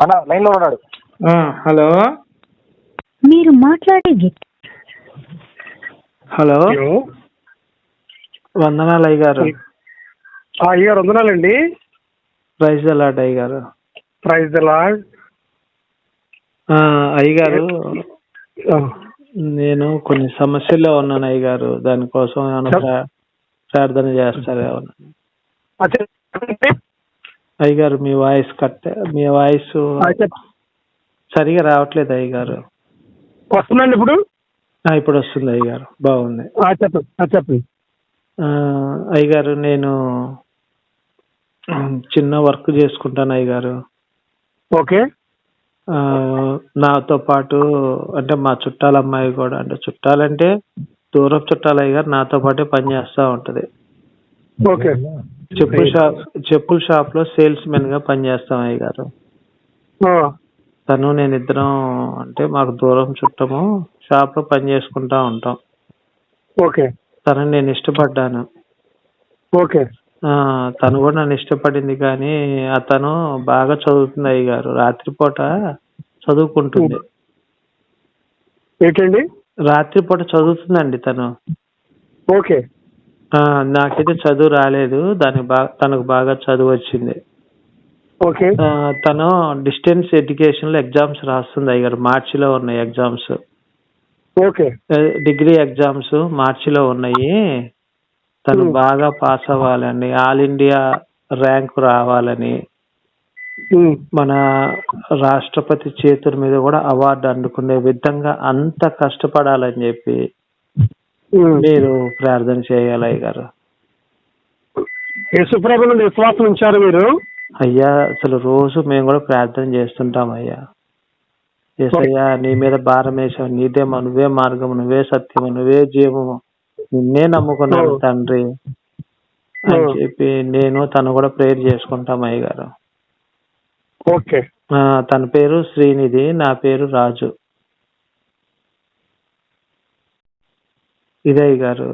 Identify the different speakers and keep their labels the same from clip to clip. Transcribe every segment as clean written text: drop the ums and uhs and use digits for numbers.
Speaker 1: అన్న లైన్ లో ఉన్నాడు.
Speaker 2: హలో
Speaker 3: మీరు మాట్లాడే
Speaker 2: హలో వందనాలు అయ్య గారు.
Speaker 1: అయ్యారు వందనాలండి.
Speaker 2: ప్రైజ్ ద లార్డ్ అయ్య గారు.
Speaker 1: Praise the lord.
Speaker 2: అయ్య గారు, నేను కొన్ని సమస్యల్లో ఉన్నాను అయ్య గారు. దానికోసం ఏమైనా ప్రార్థన చేస్తారు ఏమన్నా? అయ్య గారు, మీ వాయిస్ సరిగా రావట్లేదు అయ్య గారు.
Speaker 1: వస్తుందండి ఇప్పుడు?
Speaker 2: ఇప్పుడు వస్తుంది అయ్య గారు, బాగుంది.
Speaker 1: చెప్పండి
Speaker 2: అయ్య గారు, నేను చిన్న వర్క్ చేసుకుంటాను అయ్య గారు.
Speaker 1: ఓకే.
Speaker 2: నాతో పాటు అంటే మా చుట్టాల అమ్మాయి కూడా, అంటే చుట్టాలంటే దూరం చుట్టాలు అయ్య గారు, నాతో పాటే పని చేస్తూ ఉంటది.
Speaker 1: ఓకే.
Speaker 2: చెప్పుల షాప్ లో సేల్స్ మెన్ గా పనిచేస్తాం అయ్య గారు. తను నేను ఇద్దరం అంటే మాకు దూరం చుట్టము, షాప్ లో పని చేసుకుంటా ఉంటాం.
Speaker 1: ఓకే.
Speaker 2: తనని నేను ఇష్టపడ్డాను.
Speaker 1: ఓకే.
Speaker 2: తను కూడా నన్ను ఇష్టపడింది, కానీ అతను బాగా చదువుతుంది అయ్య గారు. రాత్రిపూట చదువుకుంటుంది.
Speaker 1: ఏంటండి?
Speaker 2: రాత్రిపూట చదువుతుందండి తను.
Speaker 1: ఓకే.
Speaker 2: నాకైతే చదువు రాలేదు, తనకు బాగా చదువు వచ్చింది.
Speaker 1: ఓకే.
Speaker 2: తను డిస్టెన్స్ ఎడ్యుకేషన్ లో ఎగ్జామ్స్ రాస్తుంది అయ్య గారు. మార్చిలో ఉన్నాయి ఎగ్జామ్స్.
Speaker 1: ఓకే.
Speaker 2: డిగ్రీ ఎగ్జామ్స్ మార్చిలో ఉన్నాయి. తను బాగా పాస్ అవ్వాలని, ఆల్ ఇండియా ర్యాంక్ రావాలని, మన రాష్ట్రపతి చేతుల మీద కూడా అవార్డు అందుకునే విధంగా అంత కష్టపడాలని చెప్పి మీరు ప్రార్థన చేయాలి అయ్య గారు.
Speaker 1: యేసుప్రభు నుండి విశ్వాసం ఉంచారు మీరు?
Speaker 2: అయ్యా, అసలు రోజు మేము కూడా ప్రార్థన చేస్తుంటాం అయ్యా. యేసయ్యా, నీ మీద భారం వేసావు, నువ్వే మార్గము, నువ్వే సత్యము, నువ్వే జీవము, నిన్నే నమ్ముకున్నాను తండ్రి అని చెప్పి నేను తను కూడా ప్రేయర్ చేసుకుంటాం అయ్య గారు.
Speaker 1: ఓకే.
Speaker 2: తన పేరు శ్రీనిధి, నా పేరు రాజు. ఇదే అయ్య గారు.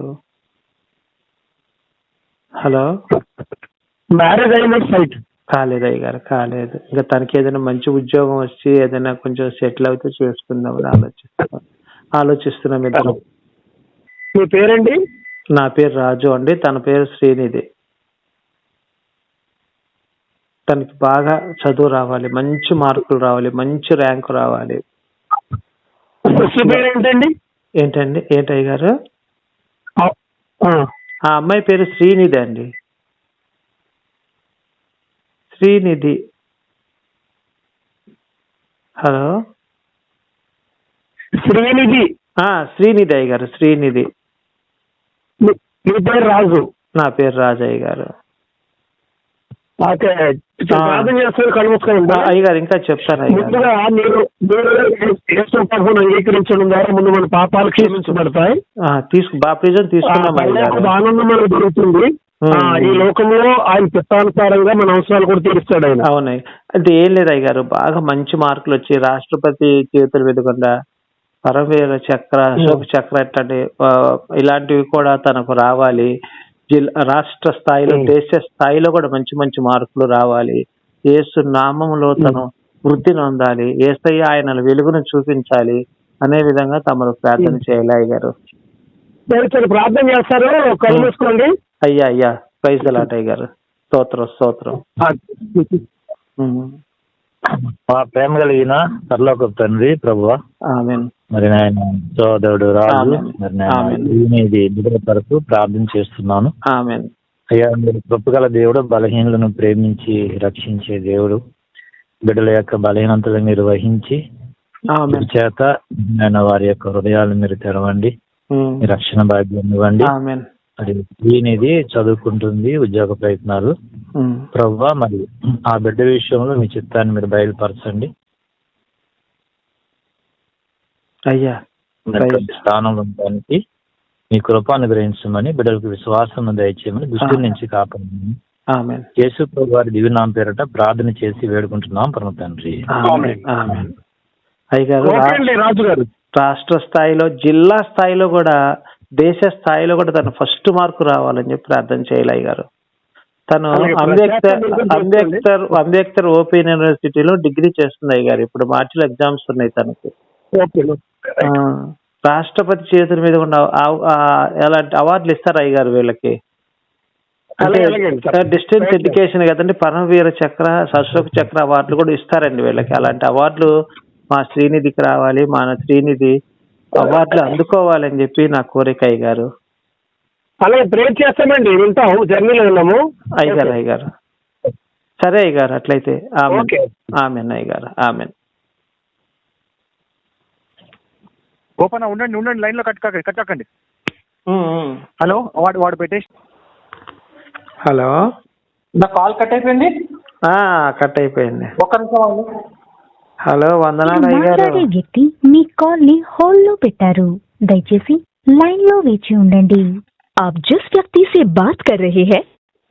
Speaker 2: హలో.
Speaker 1: మ్యారేజ్ అయినట్టు సైట్
Speaker 2: కాలేదు అయ్య గారు, కాలేదు. ఇంకా తనకి ఏదైనా మంచి ఉద్యోగం వచ్చి ఏదైనా కొంచెం సెటిల్ అవుతే చేసుకుందామని ఆలోచిస్తున్నాం ఇద్దరం.
Speaker 1: మీ పేరండి?
Speaker 2: నా పేరు రాజు అండి, తన పేరు శ్రీనిధి. తనకి బాగా చదువు రావాలి, మంచి మార్కులు రావాలి, మంచి ర్యాంకు రావాలి. ఏంటండి? ఏంటయ్య గారు? ఆ అమ్మాయి పేరు శ్రీనిధి అండి. శ్రీనిధి. హలో. శ్రీనిధి అయ్య గారు, శ్రీనిధి.
Speaker 1: మీ పేరు రాజు?
Speaker 2: నా పేరు రాజయ్య గారు. అయ్య గారు ఇంకా చెప్తాను అయ్య గారు.
Speaker 1: అంగీకరించడం ద్వారా ముందు మన పాపాలు క్షమించబడతాయి.
Speaker 2: బాప్టిజం తీసుకున్నాం అయ్య గారు.
Speaker 1: ఆనందం మనకు దొరుకుతుంది. ఈ లోకంలో ఆయన చిత్తానుసారంగా మన అవసరాలు కూడా తీరుస్తాడు ఆయన.
Speaker 2: అవునాయి. అంటే ఏం లేదు అయ్య గారు, బాగా మంచి మార్కులు వచ్చి రాష్ట్రపతి చేతులు వెదకుండా పరమవీర చక్ర, అశోక్ చక్ర ఇలాంటివి కూడా తనకు రావాలి. రాష్ట్ర స్థాయిలో, దేశ స్థాయిలో కూడా మంచి మంచి మార్కులు రావాలి. యేసు నామములో తను వృద్ధి నొందాలి. యేసయ్య ఆయన వెలుగును చూపించాలి అనే విధంగా తమరు ప్రార్థన చేయాలి అయ్య గారు.
Speaker 1: ప్రార్థన చేస్తారు. కలుసుకోండి.
Speaker 2: అయ్యా, ప్రైజ్ ది లార్డ్ అయ్య గారు. స్తోత్రం.
Speaker 4: మా ప్రేమ కలిగిన పరలోకపు తండ్రి ప్రభువా,
Speaker 2: ఆమేన్.
Speaker 4: మరి నాయన సోదరుడు రాజు, మరి నాయన కొరకు ప్రార్థన చేస్తున్నాను.
Speaker 2: ఆమేన్.
Speaker 4: అయ్యా, మీరు కృపగల దేవుడు, బలహీనులను ప్రేమించి రక్షించే దేవుడు. బిడ్డల యొక్క బలహీనతలు మీరు వహించి చేత ఆయన వారి యొక్క హృదయాలు మీరు తెరవండి, మీ రక్షణ భాగ్యం ఇవ్వండి. అది దీనిది చదువుకుంటుంది, ఉద్యోగ ప్రయత్నాలు. ప్రభువా, మరి ఆ బిడ్డ విషయంలో మీ చిత్తాన్ని మీరు బయలుపరచండి
Speaker 2: అయ్యా.
Speaker 4: స్థానంలో ఉండడానికి మీ కృప అనుగ్రహించమని, బిడ్డలకు విశ్వాసం దయచేయమని, దుష్టుల నుంచి కాపాడమని యేసు ప్రభు వారి దివ్యనామం పేరట ప్రార్థన చేసి వేడుకుంటున్నాం పరమ తండ్రి.
Speaker 2: అయ్యగారు, రాష్ట్ర స్థాయిలో, జిల్లా స్థాయిలో కూడా, దేశ స్థాయిలో కూడా తన ఫస్ట్ మార్కు రావాలని చెప్పి ప్రార్థన చేయాలి అయ్య గారు. తను
Speaker 1: అలాగే
Speaker 2: అంబేద్కర్ ఓపెన్ యూనివర్సిటీలో డిగ్రీ చేస్తుంది అయ్య గారు. ఇప్పుడు మార్చిలో ఎగ్జామ్స్ ఉన్నాయి తనకి.
Speaker 1: ఓకే.
Speaker 2: ఆ, రాష్ట్రపతి చేతుల మీద ఉన్న ఎలాంటి అవార్డులు ఇస్తారు అయ్య గారు వీళ్ళకి? అంటే డిస్టెన్స్ ఎడ్యుకేషన్ కదండి, పరమవీర చక్ర, అశోక్ చక్ర అవార్డులు కూడా ఇస్తారండి వీళ్ళకి. అలాంటి అవార్డులు మా శ్రీనిధికి రావాలి, మన శ్రీనిధి అవార్డులు అందుకోవాలని చెప్పి నా కోరిక అయ్య గారు.
Speaker 1: అలాగే ప్రేర్ చేస్తామండి, వింటాము, జర్నీలో ఉన్నాము
Speaker 2: అయ్య గారు. సరే అయ్య గారు, అట్లయితే
Speaker 1: ఓకే.
Speaker 2: ఆమెన్ అయ్య గారు, ఆమెన్.
Speaker 5: ఓపెన్ ఉండండి లైన్ లో కట్టకండి. హలో, వాడు పెట్టేసి.
Speaker 2: హలో,
Speaker 5: నా కాల్ కట్ అయిపోయింది.
Speaker 2: కట్ అయిపోయింది.
Speaker 5: ఒక్క నిమిషం.
Speaker 2: హలో, వందనాలు అయ్య గారు.
Speaker 3: మాట్లాడే వ్యక్తి మీ కాల్ ని హోల్డ్ లో పెట్టారు, దయచేసి लाइन लो वेची ఉండండి. आप जिस व्यक्ति से बात कर रहे हैं।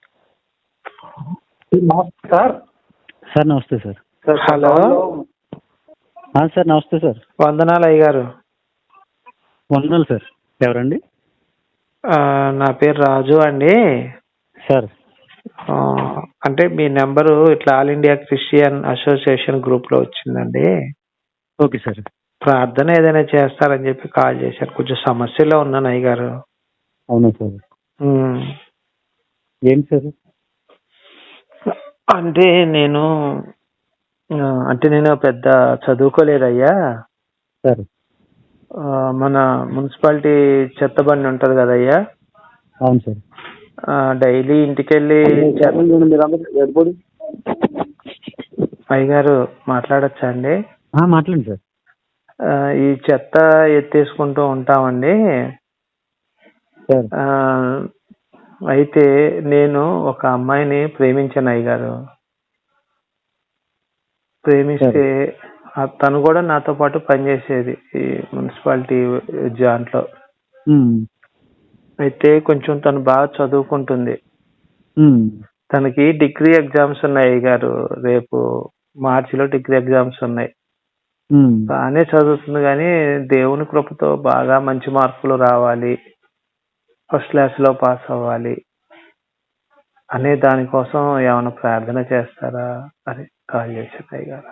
Speaker 5: సార్
Speaker 4: నమస్తే సార్.
Speaker 2: హలో,
Speaker 4: సార్ నమస్తే సార్.
Speaker 2: వందనాలు అయ్య గారు.
Speaker 4: వందనాలు సార్. ఎవరండి?
Speaker 2: నా పేరు రాజు అండి.
Speaker 4: సార్
Speaker 2: అంటే మీ నెంబరు ఇట్లా all India Christian association group లో వచ్చిందండి.
Speaker 4: Okay sir.
Speaker 2: ప్రార్థన ఏదైనా చేస్తారని చెప్పి కాల్ చేశారు. కొంచెం సమస్యలో ఉన్నాను అయ్య గారు.
Speaker 4: అవునా సార్. ఏంటి సార్?
Speaker 2: అంటే నేను పెద్ద చదువుకోలేదయ్యా.
Speaker 4: సార్
Speaker 2: మన మున్సిపాలిటీ చెత్త బండి ఉంటుంది కదయ్యా.
Speaker 4: అవును సార్.
Speaker 2: డైలీ ఇంటికెళ్ళి అయ్య గారు మాట్లాడచ్చా అండి?
Speaker 4: మాట్లాడండి సార్.
Speaker 2: ఈ చెత్త ఎత్తేసుకుంటూ ఉంటామండి. అయితే నేను ఒక అమ్మాయిని ప్రేమించాను అయ్య గారు. ప్రేమిస్తే తను కూడా నాతో పాటు పనిచేసేది ఈ మున్సిపాలిటీ జాంట్లో. అయితే కొంచెం తను బాగా చదువుకుంటుంది. తనకి డిగ్రీ ఎగ్జామ్స్ ఉన్నాయి అయ్య గారు. రేపు మార్చిలో డిగ్రీ ఎగ్జామ్స్ ఉన్నాయి. బాగానే చదువుతుంది, కానీ దేవుని కృపతో బాగా మంచి మార్కులు రావాలి, ఫస్ట్ క్లాస్ లో పాస్ అవ్వాలి అనే దానికోసం ఏమైనా ప్రార్థన చేస్తారా అని కాల్ చేశాను అయ్య గారు.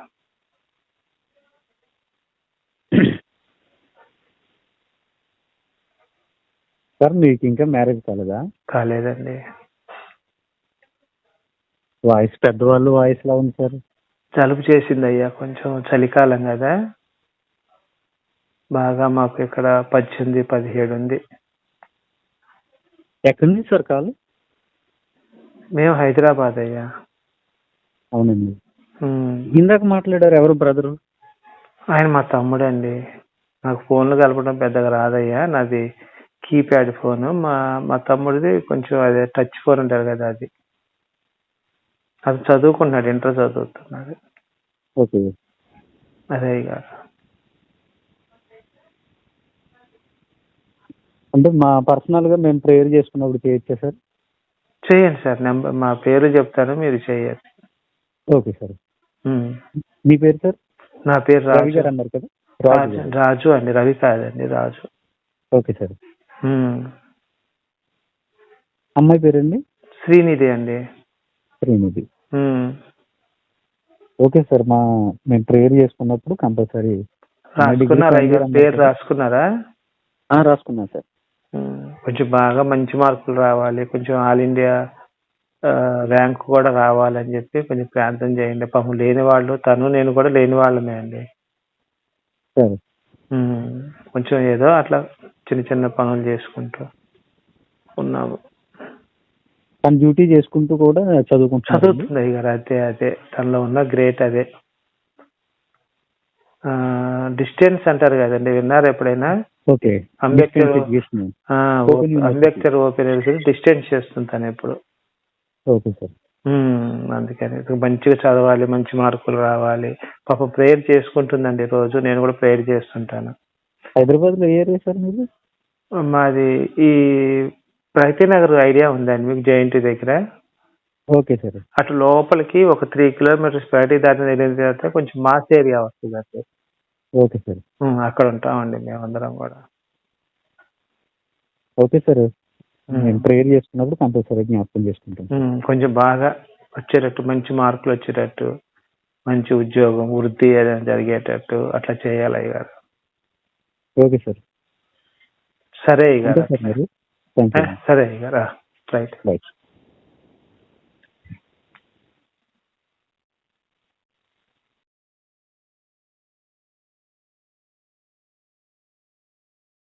Speaker 4: సార్ మీకు ఇంకా మ్యారేజ్ కాలేదా?
Speaker 2: కాలేదండి.
Speaker 4: వాయిస్ పెద్దవాళ్ళు వాయిస్ లా ఉంది సార్.
Speaker 2: జలుబు చేసింది అయ్యా, కొంచెం చలికాలం కదా. బాగా మాకు ఇక్కడ 18, 17 ఉంది.
Speaker 4: ఎక్కడి నుంచి సార్ కాల్?
Speaker 2: మేము హైదరాబాద్ అయ్యా.
Speaker 4: అవునండి. ఇందాక మాట్లాడారు, ఎవరు బ్రదరు?
Speaker 2: ఆయన మా తమ్ముడు అండి. నాకు ఫోన్లు కలపడం పెద్దగా రాదయ్యా, నాది కీప్యాడ్ ఫోను. మా తమ్ముడిది కొంచెం అదే టచ్ ఫోన్ ఉంటారు కదా, అది చదువుకుంటున్నాడు, ఇంటర్ చదువుతున్నాడు.
Speaker 4: ఓకే.
Speaker 2: అదే గారు.
Speaker 4: అంటే మా పర్సనల్ గా మేము ప్రేయర్ చేసుకున్నప్పుడు చేయొచ్చా సార్?
Speaker 2: చేయండి సార్. నెంబర్ మా పేరు చెప్తాను, మీరు చేయండి.
Speaker 4: Okay sir. మీ పేరు సార్?
Speaker 2: నా పేరు
Speaker 4: రవి గారు అన్నారు కదా.
Speaker 2: రాజు అండి, రవి కాదండి, రాజు.
Speaker 4: Okay sir. అమ్మాయి పేరండి?
Speaker 2: శ్రీనిధి అండి.
Speaker 4: శ్రీనిధి. Okay sir. మేము ప్రేయర్ చేసుకున్నప్పుడు కంపల్సరీ.
Speaker 2: రాసుకున్నారా పేరు? రాసుకున్నారా?
Speaker 4: రాసుకున్నా సార్.
Speaker 2: కొంచెం బాగా మంచి మార్కులు రావాలి, కొంచెం ఆల్ ఇండియా ర్యాంక్ కూడా రావాలని చెప్పి కొంచెం ప్రార్థన చేయండి. పాపం లేని వాళ్ళు, తను నేను కూడా లేని వాళ్ళమే అండి.
Speaker 4: సరే.
Speaker 2: కొంచెం ఏదో అట్లా చిన్న చిన్న పనులు చేసుకుంటూ ఉన్నాము.
Speaker 4: తన డ్యూటీ చేసుకుంటూ కూడా చదువుతుంది
Speaker 2: అయ్య గారు. అదే తనలో ఉన్న గ్రేట్ అదే. డిస్టెన్స్ అంటారు కదండి, విన్నారు ఎప్పుడైనా?
Speaker 4: ఓకే.
Speaker 2: అంబేద్కర్ ఓపెన్ డిస్టెన్స్ చేస్తుంది తను ఎప్పుడు.
Speaker 4: Okay sir.
Speaker 2: అందుకని మంచిగా చదవాలి, మంచి మార్కులు రావాలి. పాప ప్రేయర్ చేసుకుంటుందండి రోజు. నేను కూడా ప్రేయర్ చేస్తుంటాను.
Speaker 4: హైదరాబాద్ లో ఏ ఏరియా సార్ మీరు?
Speaker 2: మాది ఈ ప్రగతి నగర్ ఐడియా ఉందండి మీకు, జేఎన్టీ దగ్గర.
Speaker 4: Okay sir.
Speaker 2: అటు లోపలికి ఒక 3 కిలోమీటర్స్ ప్రగతి దాటిన వెళ్ళిన తర్వాత కొంచెం మాస్ ఏరియా వస్తుంది అటు.
Speaker 4: Okay sir.
Speaker 2: అక్కడ ఉంటామండి మేమందరం కూడా.
Speaker 4: Okay sir.
Speaker 6: నేను ప్రేయర్ చేసుకున్నప్పుడు కంపల్సరీ జ్ఞాపకం చేసుకుంటాను.
Speaker 2: కొంచెం బాగా వచ్చేటట్టు, మంచి మార్కులు వచ్చేటట్టు, మంచి ఉద్యోగం వృద్ధి ఏదైనా జరిగేటట్టు అట్లా చేయాలి అయ్యగారు.
Speaker 6: Okay sir.
Speaker 2: సరే అయ్యగారు.
Speaker 6: సార్ మరి థ్యాంక్ యూ.
Speaker 2: సరే అయ్యగారు. రైట్.
Speaker 6: రైట్.